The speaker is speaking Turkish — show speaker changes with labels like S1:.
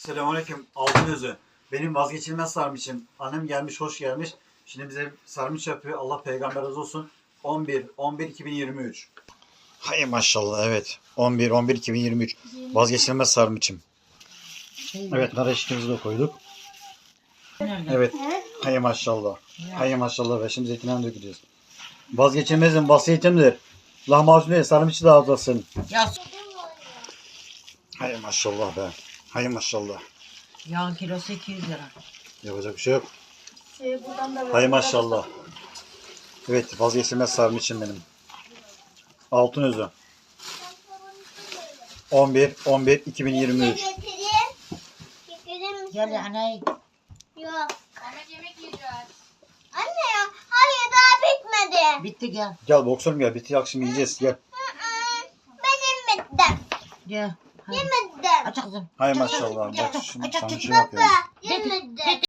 S1: Selamünaleyküm. Altınözü. Benim vazgeçilmez sarmışım. Annem gelmiş, hoş gelmiş. Şimdi bize sarmış yapıyor. Allah peygamber razı olsun. 11-11-2023. Hay maşallah, evet. 11-11-2023. Vazgeçilmez sarmışım. Evet, nar eşkimizi de koyduk. Evet. Hay maşallah. Hay maşallah. Ve şimdi zeytinyağı dökeceğiz. Vazgeçilmezim, vasiyetimdir. Lahmacun değil, sarmışı da ağzlasın. Hay maşallah be. Hay maşallah.
S2: Yağ kilosu 200 lira.
S1: Yapacak bir şey yok. Hay maşallah. Evet, vazgeçilmez sarmışım benim. Altınözü. 11-11-2023.
S2: Gel anne.
S3: Yok. Ahmet yemek yiyeceğiz. Anne ya. Hayır daha bitmedi.
S2: Bitti gel.
S1: Gel boksörüm gel. Bitti akşam yiyeceğiz. Gel.
S3: Ben yemedim.
S2: Gel. Hadi.
S3: Yemedim.
S2: Aç kızım.
S1: Hay maşallah. Bak şimdi
S2: Aç, aç,
S1: sarmışı
S2: aç.
S1: yapıyorum.
S3: Yemedim.